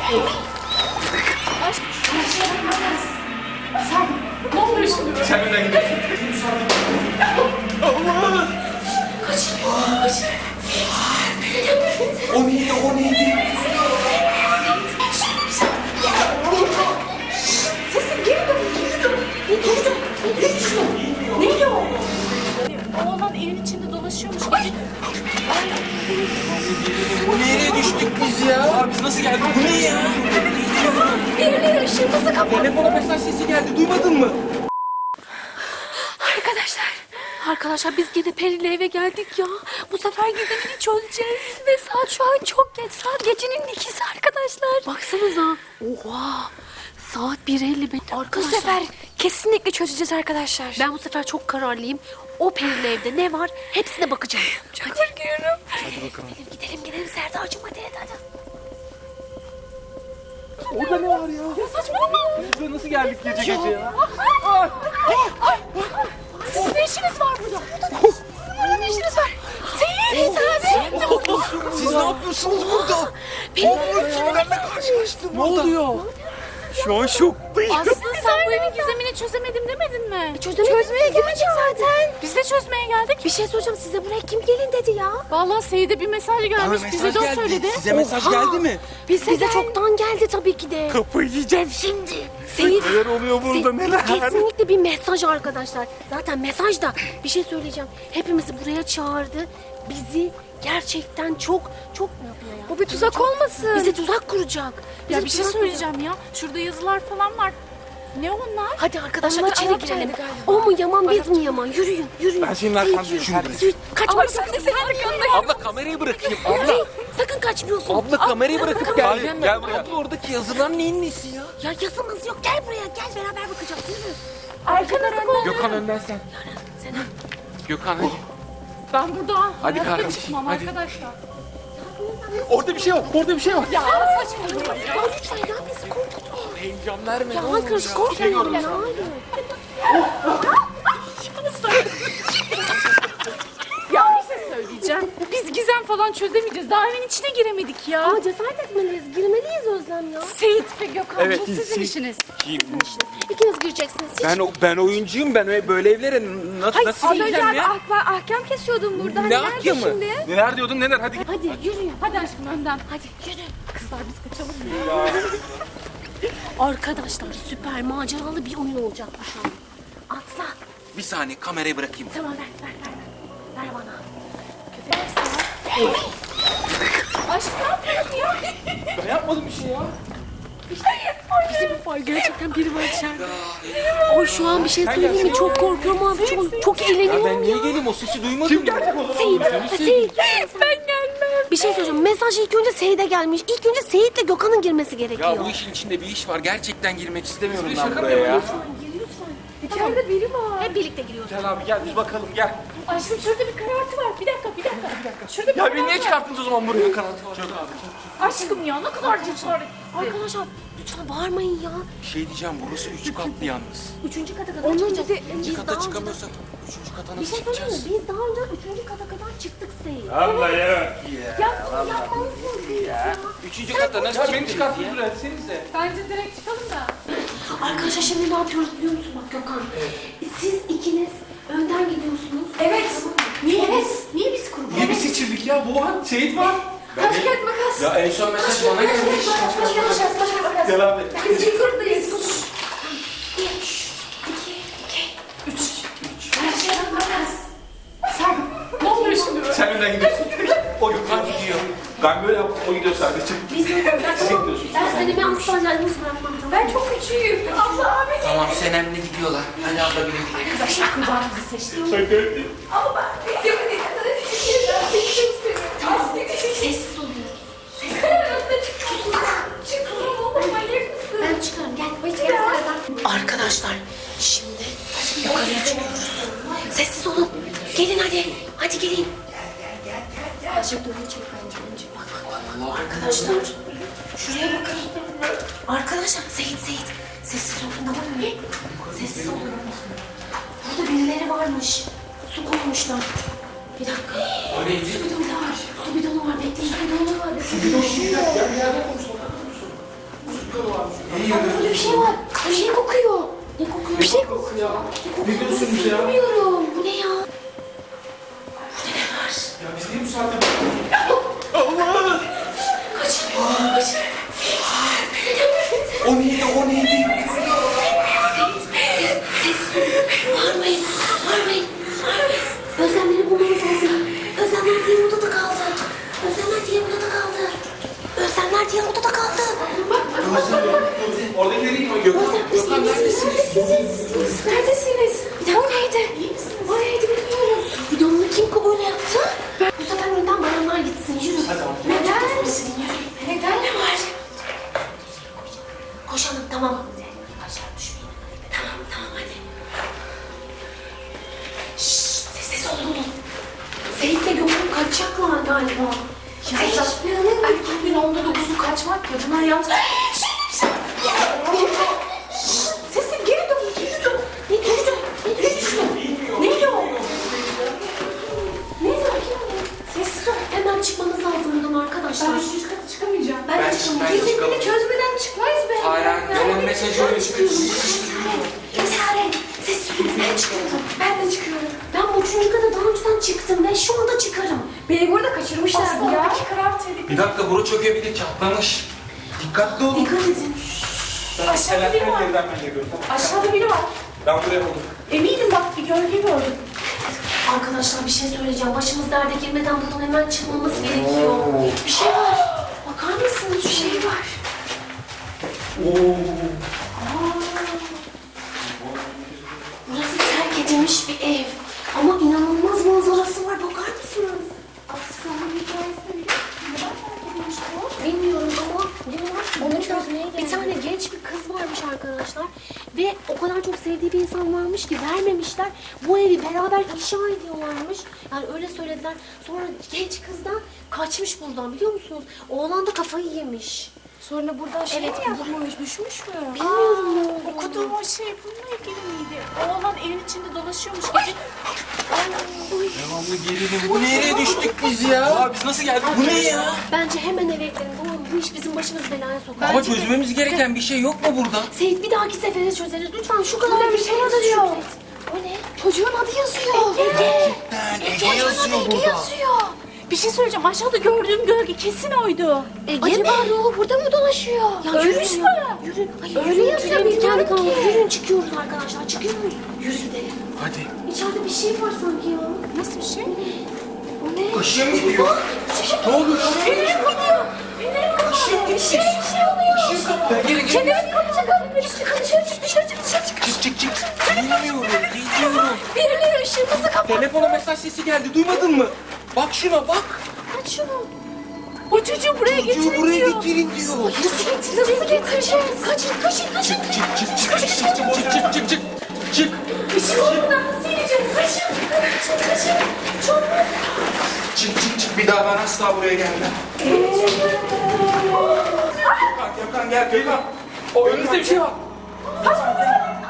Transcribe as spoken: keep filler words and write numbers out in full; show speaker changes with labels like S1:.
S1: Aşk. Sen ne oluyor şimdi?
S2: Sen önden gidiyorsun. Allah!
S1: Kaç. Kaç.
S2: O neydi, o neydi?
S1: Sesim geri dön, geri dön. Geri dön. Geri dön. Neydi o? Oğlan evin içinde dolaşıyormuş. Gece...
S2: Nereye düştük biz ya? Abi biz nasıl geldik? Bu ne ya?
S1: Birileri ışığımızı kapattı.
S2: Telefona mesaj sesi geldi, duymadın mı?
S1: Arkadaşlar, arkadaşlar biz gene Peri'yle eve geldik ya. Bu sefer gizemini çözeceğiz. Ve saat şu an çok geç. Saat gecenin ikisi arkadaşlar. Baksanıza. Oha. Saat bir elli beş. Bu sefer kesinlikle çözeceğiz arkadaşlar. Ben bu sefer çok kararlıyım. O Peri'yle evde ne var hepsine bakacağım. Çok hadi. Korkuyorum.
S2: Hadi bakalım.
S1: Gidelim gidelim gidelim Serdar'cığım hadi hadi hadi.
S2: Orada ne var ya?
S1: Ya saçmalama.
S2: Biz nasıl geldik gece gece ya?
S1: Sizin ne işiniz var burada? Burada ne işiniz var? Seyir abi.
S2: Siz ne yapıyorsunuz burada?
S1: Benim
S2: Kimlerle karşılaştım? Ne oluyor? Şu an şoktayım.
S3: Aslı sen bu evin gizemini çözemedim demedin mi?
S1: Çözemedik. Çözmeye geldik zaten.
S3: Biz de çözmeye geldik.
S1: Bir şey soracağım size buraya kim gelin dedi ya?
S3: Vallahi Seyit'e bir mesaj gelmiş. Bize de o söyledi.
S2: Size mesaj
S1: Oha!
S2: geldi mi?
S1: Bize, Bize çoktan geldi tabii ki de.
S2: Kafayı yiyeceğim şimdi.
S1: Seyit,
S2: Neler oluyor burada,
S1: Se-
S2: neler?
S1: Kesinlikle bir mesaj arkadaşlar. Zaten mesaj da bir şey söyleyeceğim. Hepimizi buraya çağırdı. Bizi gerçekten çok çok ne yapıyor ya?
S3: Bu bir tuzak olmasın.
S1: Bize tuzak kuracak.
S3: Ya
S1: Bize
S3: bir şey
S1: tuzak
S3: söyleyeceğim ya. Şurada yazılar falan var. Ne onlar?
S1: Hadi arkadaşlar
S3: Onlar
S1: içeri
S3: Arapçaydı
S1: girelim.
S3: galiba.
S1: O mu yaman biz mi yaman? Yürüyün yürüyün.
S2: Ben senin
S1: Seyit,
S2: arkandayım,
S1: yürü.
S2: hadi.
S1: Seyit, kaçma
S3: Ama
S1: sakın.
S3: ben de senin arkandayım.
S2: Abla kamerayı bırakayım. Abla.
S1: Seyit, sakın kaçmıyorsun.
S2: Abla kamerayı bırakıp geleceğim ben.
S4: gel buraya.
S2: Abla oradaki yazılar neyin nesi ya?
S1: Ya yazımız yok. Gel buraya gel beraber bakacağız. Yürü.
S3: Arkanızı kol.
S2: Gökhan önden sen.
S1: Sen
S2: Gökhan hadi.
S3: Ben burada
S2: Hadi
S3: hayatta
S2: kardeşim,
S3: çıkmam
S2: hadi.
S3: arkadaşlar.
S2: Orada bir şey var. Orada bir şey var.
S3: Ya saçmalama ya.
S1: Ya lütfen ya bizi korkutma.
S2: Heyecan verme.
S1: Ya
S2: ne olur
S1: arkadaş
S2: ya.
S1: korkmayalım ya.
S3: Ya bir şey söyleyeceğim. Biz gizem falan çözemeyeceğiz. Daha evin içine giremedik ya.
S1: Aa cesaret etmeliyiz. Girmeliyiz Özlem ya.
S3: Seyit ve Gökhan
S2: Evet,
S3: bu sizin
S2: Seyit.
S3: işiniz.
S1: İkiniz gireceksiniz. Hiç...
S2: Ben o- ben oyuncuyum. Ben öyle böyle evlere na-
S1: Hayır,
S2: nasıl
S1: az
S2: gireceğim
S1: önce
S2: ya?
S1: ah, ahkam kesiyordum burada.
S2: Ne
S1: Hani nerede
S2: ahkamı?
S1: şimdi?
S2: Neler diyordun neler? Hadi git.
S1: Hadi yürüyün.
S3: Hadi aşkım önden.
S1: Hadi yürü.
S3: Kızlar biz kaçalım.
S1: Arkadaşlar süper maceralı bir oyun olacak bu şu an. Atla.
S2: Bir saniye kamerayı bırakayım.
S1: Tamam ver ver ver. Ver bana. Köpek sana.
S3: Aşkım ne yapıyorsun ya?
S2: Ben yapmadım bir şey ya.
S1: Bizim var gerçekten biri var içeride. Oy şu an bir şey söyleyeyim mi? Çok korkuyorum abi. Çok, çok
S2: Ya
S1: eğleniyorum
S2: ben
S1: ya.
S2: niye geleyim? O sesi duymadım. Kim gelecek o zaman?
S1: Seyit, Seyit. Ben gelmem. Bir şey söyleyeceğim. Mesaj ilk önce Seyit'e gelmiş. İlk önce Seyit'le Gökhan'ın girmesi gerekiyor.
S2: Ya bu işin içinde bir iş var. Gerçekten girmek istemiyorum ben buraya ya.
S1: İçeride biri var. Hep birlikte giriyoruz.
S2: Gel abi gel biz bakalım gel.
S3: Aşkım şurada bir karartı var. Bir dakika bir dakika. Bir dakika. Şurada bir
S2: Ya
S3: karartı
S2: beni niye
S3: var.
S2: çıkarttınız o zaman buraya kanatı var? Çok abi.
S3: Aşkım ya ne kadar cesaret.
S1: Arkadaşlar lütfen bağırmayın ya.
S2: Bir şey diyeceğim burası üç katlı yalnız.
S1: Üçüncü kata kadar çıkacağız.
S2: İkinci
S1: Biz
S2: kata
S1: daha önce-
S2: çıkamıyorsak üçüncü kata
S1: Bir
S2: nasıl
S1: şey söyleyeyim mi?
S2: çıkacağız?
S1: Biz daha önce üçüncü kata kadar çıktık Seyit.
S2: Allah ya.
S1: Ya bunu yapmalısınız Seyit ya.
S2: Üçüncü kata nasıl çıkacağız? Ya beni çıkarttınız buraya etsenize.
S3: Bence direkt çıkalım da.
S1: Arkadaşlar şimdi ne yapıyoruz biliyor musun bak Gökhan? Siz ikiniz önden gidiyorsunuz.
S3: Evet.
S1: Niye evet? Niye biz kurban?
S2: Niye bir seçildik ya? Bu var, Seyit var.
S3: Taş kağıt makas.
S2: Ya en son mesaj bana gelmiş.
S3: Taş kağıt makas. Taş kağıt makas.
S2: Gel abi.
S3: Biz ilk gruptayız.
S1: Bir, iki, iki.
S3: Üç. Taş kağıt makas. Sen. Ne oluyor şimdi?
S2: Sen önden gidiyorsun. O Gökhan gidiyor. Ben böyle yaptım, o gidiyor sadece.
S1: Biz önden
S2: gidiyorsun.
S1: Ben seni bir asla yalnız bırakmam tamam.
S3: Ben çok küçüğüm. Allah abi.
S2: Tamam Senem'le gidiyorlar. Hadi abla güle güle.
S3: Arkadaşlar kızlar bizi seçti.
S2: Sakın.
S3: Ama ben videomu ne kadar küçüğüm. Ben seni çok seviyorum. Aslında küçük.
S1: Sessiz oluyoruz.
S3: Karanlıkta çıkıyorsun. Çıkıyorum oğlum manyak mısın?
S1: Ben çıkarım gel. Gel sıradan. Arkadaşlar şimdi yukarıya çıkıyoruz. Sessiz olun. Gelin hadi. Hadi gelin. Ayşe doğru çek bence önce. Bak bak bak. Arkadaşlar şuraya bakın. Arkadaşlar Seyit Seyit. Sessiz olun tamam mı? Sessiz olun. Burada birileri varmış. Su koymuşlar. Bir dakika.
S2: O neydi?
S1: Su bidonu var. Su bidonu var. Bekleyin. Su bidonu var. Su bidonu var. Burada bir şey var. Bir şey kokuyor. Ne kokuyor? Bir şey kokuyor.
S2: Ne diyorsunuz ya?
S1: Bilmiyorum. Bu ne ya?
S2: Ya biz niye bu saatte... Allah!
S1: Kaçın. Kaçın.
S2: O neydi, o neydi?
S1: Bağırmayın. Bağırmayın. Bağırmayın. Özlemleri bulmamız lazım. Özlemler diğer odada kaldı. Özlemler diğer odada kaldı. Özlemler diğer odada kaldı. Bak bak bak bak. bak.
S2: Oradakileri yıkma Gökhan.
S1: Özlem biz
S2: Gökhan
S1: neredesiniz?
S2: neredesin?
S1: Neredesiniz? Neredesiniz? Bir dakika. O neydi? O neydi bilmiyorum. Videonunu kim böyle yaptı? Bu sefer önden bayanlar gitsin. Yürü. Neden? Neden ne var? Koşalım tamam. Aşağı düşmeyin. Tamam tamam hadi. Şşş sessiz olun. Seyit'le Gökhan kaçacaklar galiba.
S3: Ya
S1: Seyit.
S3: erkeklerin onda dokuzu kaçmak ya. Bunlar yalnız... Sesim geri dön, geri dön.
S1: Ne düştü? Ne düştü?
S3: Neydi o?
S1: Ne sakin olun. Sessiz ol. Hemen çıkmamız lazım buradan arkadaşlar.
S3: Ben üçüncü kata çıkamayacağım.
S1: Ben,
S2: Ben
S1: de çıkamayacağım.
S2: çıkmayayım.
S1: Kesinlikle çözmeden çıkmayız be.
S2: Hayır, gelen mesajı öyle çıkıyor.
S1: Cesaret. Sessiz olun. Ben çıkıyorum. Ben de çıkıyorum. Ben bu üçüncü kata daha önceden çıktım ve şu anda çıkarım. Beni burada kaçırmışlardı
S3: Aslında
S1: ya.
S3: oradaki karar tehlikeli.
S2: Bir dakika, bura çökebilir, çatlamış. Dikkatli olun.
S1: Dikkat edin.
S3: Aşağıda biri var.
S2: Yerden ben geliyorum, tamam.
S3: Aşağıda biri var.
S2: Ben buraya buldum.
S3: Eminim bak bir gölge gördüm.
S1: Arkadaşlar bir şey söyleyeceğim. Başımız derde girmeden buradan hemen çıkmamız gerekiyor. Bir şey var. Bakar mısınız? Bir şey var.
S2: Oo.
S1: Burası terk edilmiş bir ev. Ama inanılmaz manzarası var. Bakar mısınız?
S3: Aslanın hikayesini biliyor musun? Neden terk edilmiş bu?
S1: Bilmiyorum ama diyorlar ki
S3: Onu
S1: burada
S3: çözmeye
S1: bir
S3: geldim.
S1: tane genç bir kız varmış arkadaşlar. Ve o kadar çok sevdiği bir insan varmış ki vermemişler. Bu evi beraber inşa ediyorlarmış. Yani öyle söylediler. Sonra genç kız da kaçmış buradan biliyor musunuz? Oğlan da kafayı yemiş.
S3: Sonra burada şey
S1: Evet,
S3: mi yapmış, düşmüş mü?
S1: Bilmiyorum ne
S3: Aa,
S1: olduğunu.
S3: okuduğum o şey bununla ilgili miydi? Oğlan evin içinde dolaşıyormuş gece.
S2: Devamlı gerilim. Bu nereye düştük biz ya? Aa, biz nasıl geldik? Bu ne ya?
S1: Bence hemen eve gidelim. Tamam mı? Bu iş bizim başımızı belaya sokar.
S2: Ama
S1: Bence de-
S2: çözmemiz gereken bir şey yok mu burada?
S1: Seyit bir dahaki sefere çözeriz. Lütfen şu kadar
S3: Burada bir şey yazıyor.
S1: O ne? Çocuğun adı yazıyor. Ege.
S2: Ege
S1: Çocuğun
S2: yazıyor
S1: adı Ege
S2: burada.
S1: yazıyor.
S3: Bir şey söyleyeceğim. Aşağıda gördüğüm gölge kesin oydu.
S1: Ege Acaba mi? ruhu burada mı dolaşıyor? Ya
S3: Ölmüş
S1: yürüyün.
S3: mü?
S1: Yürüyün. Hayır,
S3: Öyle
S1: yürüyün.
S3: yazıyor,
S1: Tüylerimiz
S3: bilmiyorum
S1: kendi kalmadı.
S3: ki.
S1: Yürüyün çıkıyoruz arkadaşlar. Çıkıyoruz. Yürü gidelim.
S2: Hadi.
S1: İçeride bir şey var sanki ya.
S3: Nasıl bir şey?
S1: O ne?
S2: Kaşıya mı gidiyor? Ne oluyor?
S3: Fenerim kapıyor. Fenerim kapıyor. Bir şey, bir şey oluyor.
S2: Gel gelin gelin.
S3: Fenerim kapacak abi. Benim dışarı çık, dışarı çık, dışarı çık.
S2: Çık çık çık. Bilmiyorum. Gidiyorum.
S3: Birileri ışığımızı kapat.
S2: Telefona mesaj sesi geldi. Duymadın mı? Bak şuna bak.
S3: Aç şunu. O çocuğu buraya
S2: Çocuğu
S3: getirin
S2: buraya
S3: diyor.
S2: getirin diyor.
S3: Nasıl getireceğiz? Nasıl getireceğiz? Kaçın, kaçın, kaçın.
S2: Çık çık çık çık çık çık çık çık çık. Çık.
S3: Işığı oradan nasıl yiyeceğiz? Kaçın, kaçın, kaçın. Çok
S2: Çık çık çık. Bir daha ben asla buraya gelmem. Gökhan Gökhan gel Gökhan. O önümüzde bir şey var.
S3: Saçmalama.